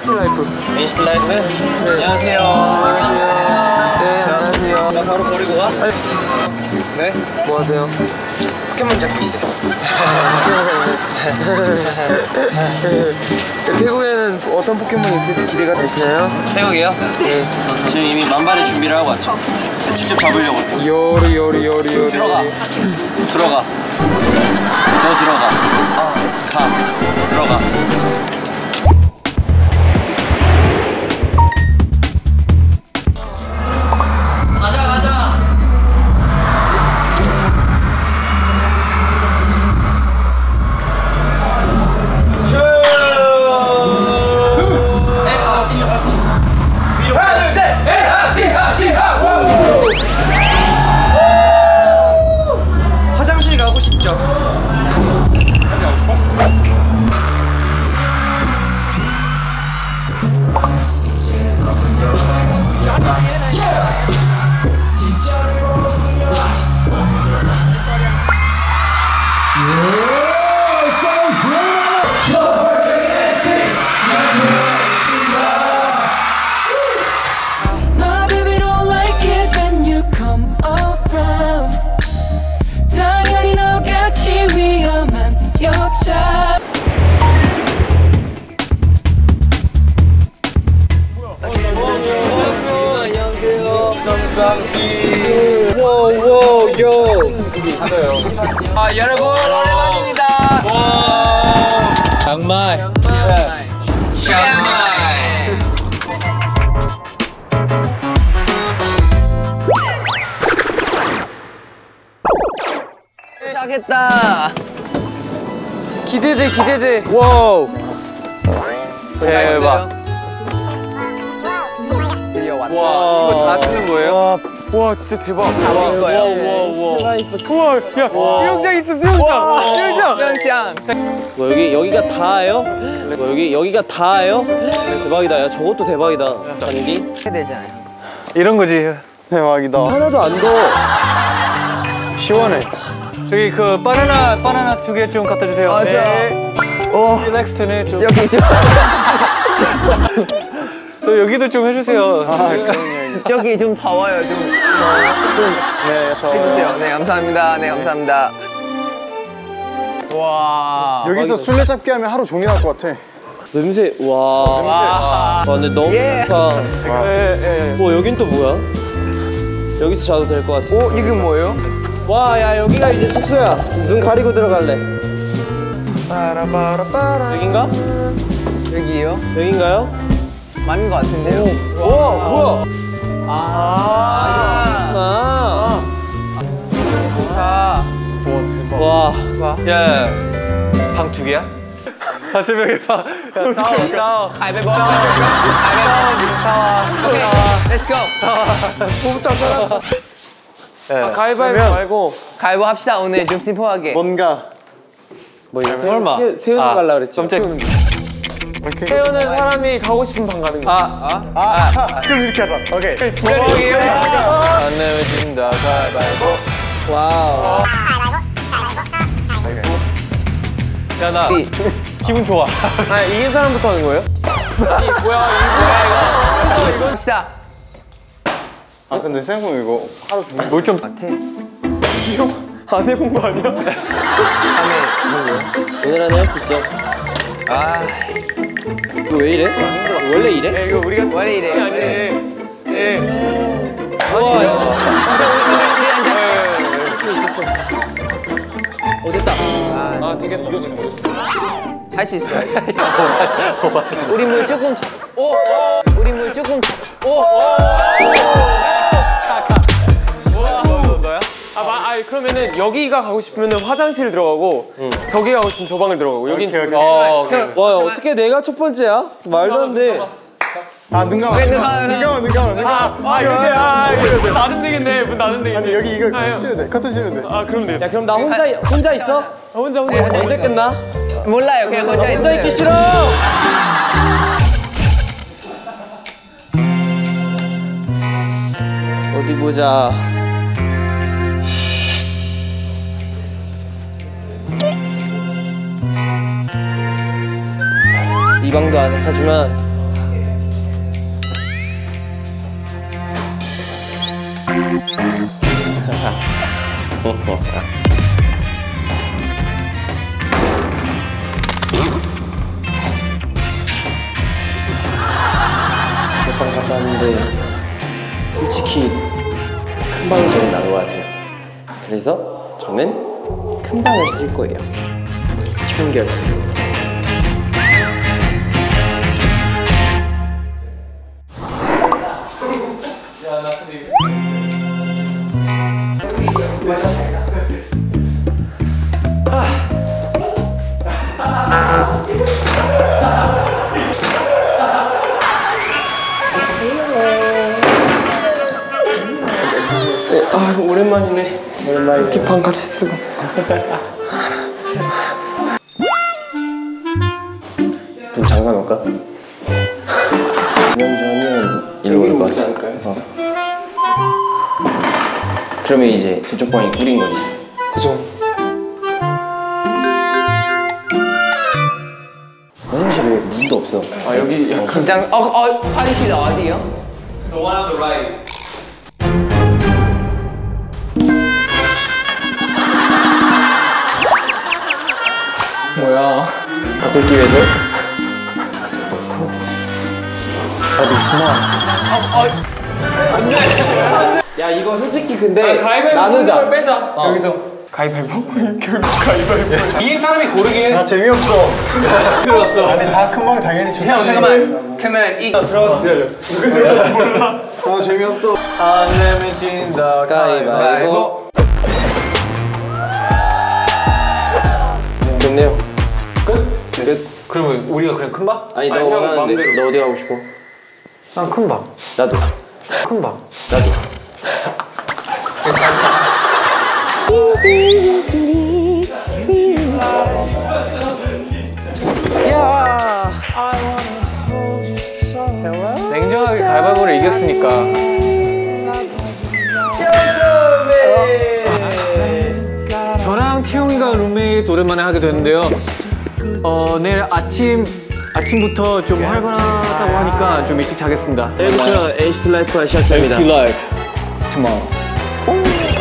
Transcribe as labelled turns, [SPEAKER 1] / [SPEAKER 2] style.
[SPEAKER 1] 라이프.
[SPEAKER 2] 인스트 라이프? 네. 안녕하세요.
[SPEAKER 1] 안녕하세요. 네, 안녕하세요.
[SPEAKER 2] 나 바로 버리고 가? 네?
[SPEAKER 1] 뭐 하세요?
[SPEAKER 2] 포켓몬 잡고 있어요.
[SPEAKER 1] 태국에는 어떤 포켓몬이 있을지 기대가 되시나요?
[SPEAKER 2] 태국이요?
[SPEAKER 1] 네.
[SPEAKER 2] 지금 이미 만발의 준비를 하고 왔죠. 직접 잡으려고.
[SPEAKER 1] 요리.
[SPEAKER 2] 들어가. 들어가. 더 들어가. 가. 들어가. 화장실 가고 싶죠?
[SPEAKER 1] 아, 여러분 오랜만입니다.
[SPEAKER 2] 장마이.
[SPEAKER 1] 시작했다. 기대돼.
[SPEAKER 2] 와우.
[SPEAKER 1] 대박. 드디어 왔다. 이거 다 쓰는 거예요? 와 진짜 대박.
[SPEAKER 2] 와우.
[SPEAKER 1] 우와, 야 수영장 있어, 수영장.
[SPEAKER 2] 뭐 여기가 다예요? 뭐 여기가 다예요? 대박이다. 야 저것도 대박이다. 잔디.
[SPEAKER 1] 되잖아요.
[SPEAKER 3] 이런 거지. 대박이다.
[SPEAKER 2] 하나도 안 더워.
[SPEAKER 3] 시원해. 저기 그 바나나 2개 좀 갖다 주세요.
[SPEAKER 1] 맞아.
[SPEAKER 3] 네. 릴렉스트는 좀.
[SPEAKER 1] 여기 좀.
[SPEAKER 3] 또 여기도 좀 해주세요.
[SPEAKER 1] 여기 좀 더워요. 좀
[SPEAKER 3] 네, 더.
[SPEAKER 1] 해주세요. 네, 감사합니다. 네, 감사합니다. 와.
[SPEAKER 3] 여기서 술래잡기 하면 하루 종일 할 것 같아.
[SPEAKER 2] 냄새. 와. 근데 너무 좋다. 뭐 여긴 또 뭐야? 여기서 자도 될 것 같아.
[SPEAKER 1] 오, 이게 뭐예요?
[SPEAKER 2] 와, 야 여기가 이제 숙소야. 눈 가리고 들어갈래. 여긴가?
[SPEAKER 1] 여기요?
[SPEAKER 2] 여긴가요?
[SPEAKER 1] 맞는 것 같은데요?
[SPEAKER 2] 우와, 뭐야?
[SPEAKER 1] 아, 좋다.
[SPEAKER 2] 와.
[SPEAKER 3] 야, 방 2개야? 다섯 명의 방. 싸워.
[SPEAKER 1] 가위바위보. 오케이, 렛츠고.
[SPEAKER 3] 가위바위보 말고.
[SPEAKER 1] 가위바위보 합시다. 오늘 좀 심플하게.
[SPEAKER 3] 뭔가.
[SPEAKER 2] 뭐 이거
[SPEAKER 3] 설마.
[SPEAKER 2] 세우는 거 갈라 그랬지?
[SPEAKER 3] 태우는 사람이 가고 싶은 방 가는 거.
[SPEAKER 4] 그럼 이렇게 하자. 오케이.
[SPEAKER 1] 안 내면 진다. 가위바위보.
[SPEAKER 2] 와우.
[SPEAKER 3] 야, 나 기분 좋아.
[SPEAKER 1] 아, 이긴 사람부터 하는 거예요? 뭐야 이거? 합시다.
[SPEAKER 4] 아 근데 생각해보면 이거 하루 종일
[SPEAKER 3] 뭘 좀.
[SPEAKER 1] 맞지?
[SPEAKER 3] 안 해본 거 아니야?
[SPEAKER 2] 오늘 안에 할 수 있죠?
[SPEAKER 1] 아,
[SPEAKER 2] 이거 왜 이래? 원래 이래?
[SPEAKER 3] 야, 이거 우리가
[SPEAKER 1] 원래 이래.
[SPEAKER 3] 아니네. 예.
[SPEAKER 2] 와, 야.
[SPEAKER 3] 있었어.
[SPEAKER 2] 됐다.
[SPEAKER 3] 아, 되겠다. 이거 지금
[SPEAKER 1] 할 수 있어. 우리 물 조금 더. 우리 물 조금 더.
[SPEAKER 3] 너야? 그러면은 여기가 가고 싶으면은 화장실 들어가고 저기 가고 싶으면 저 방을 들어가고 여긴
[SPEAKER 4] 오케이.
[SPEAKER 2] 와, 어떻게 내가 첫 번째야? 말도 안 돼.
[SPEAKER 4] 눈 감아. 눈 감아.
[SPEAKER 3] 근데 나는 되겠네. 문 나는 되겠네.
[SPEAKER 4] 아니 여기 이거 치면 돼. 커튼 치면 돼.
[SPEAKER 3] 아, 그럼 돼.
[SPEAKER 2] 야, 그럼 나 혼자 있어?
[SPEAKER 3] 혼자.
[SPEAKER 2] 언제 끝나?
[SPEAKER 1] 몰라요. 그냥 혼자
[SPEAKER 2] 혼자 있기 싫어. 어디 보자. 이 방도 안 해. 하지만 몇방 갔다 왔는데 솔직히 큰 방이 제일 나은 것 같아요. 그래서 저는 큰 방을 쓸 거예요. 청결. 아 오랜만이네.
[SPEAKER 3] 이렇게 방 같이 쓰고.
[SPEAKER 2] 문 잠가 놓을까? 명주하면 일로 올 것 같아.
[SPEAKER 3] 않을까요, 진짜?
[SPEAKER 2] 그러면 이제 저쪽 방이 꿀인 거지.
[SPEAKER 3] 그죠?
[SPEAKER 2] 화장실에 문도 없어.
[SPEAKER 3] 아 여기 약간
[SPEAKER 1] 긴장. 화장실 어디요?
[SPEAKER 3] 뭐야?
[SPEAKER 2] 바꿀 기회죠? 야 이거 솔직히 근데
[SPEAKER 3] 가위바위보
[SPEAKER 2] 나누자.
[SPEAKER 3] 걸 빼자. 여기서 가위바위보? 결국 가위바위보.
[SPEAKER 4] 이긴 사람이 고르긴. 나 재미없어.
[SPEAKER 2] 들었어.
[SPEAKER 4] 아니 다 큰 방 당연히 좋지.
[SPEAKER 1] 형 잠깐만. 그러면 이거 들어가서 기다려.
[SPEAKER 4] 아 재미없어.
[SPEAKER 3] 안 내면 진다.
[SPEAKER 2] 가위바위보. 좋네요. 끝?
[SPEAKER 5] 그러면 우리가 그냥 큰 방?
[SPEAKER 2] 아니 너
[SPEAKER 3] 형
[SPEAKER 2] 원하는데
[SPEAKER 3] 마음대로.
[SPEAKER 2] 너 어디 가고 싶어?
[SPEAKER 3] 난 큰 방.
[SPEAKER 2] 나도.
[SPEAKER 3] 큰 방.
[SPEAKER 2] 나도.
[SPEAKER 3] 냉정하게 가위바위보를 이겼으니까. 저랑 태용이가 룸메이트 오랜만에 하게 됐는데요. 내일 아침부터 좀 활발하다고 하니까 좀 일찍 자겠습니다.
[SPEAKER 2] 내일부터 NCT 라이프가 시작됩니다.
[SPEAKER 3] Life tomorrow.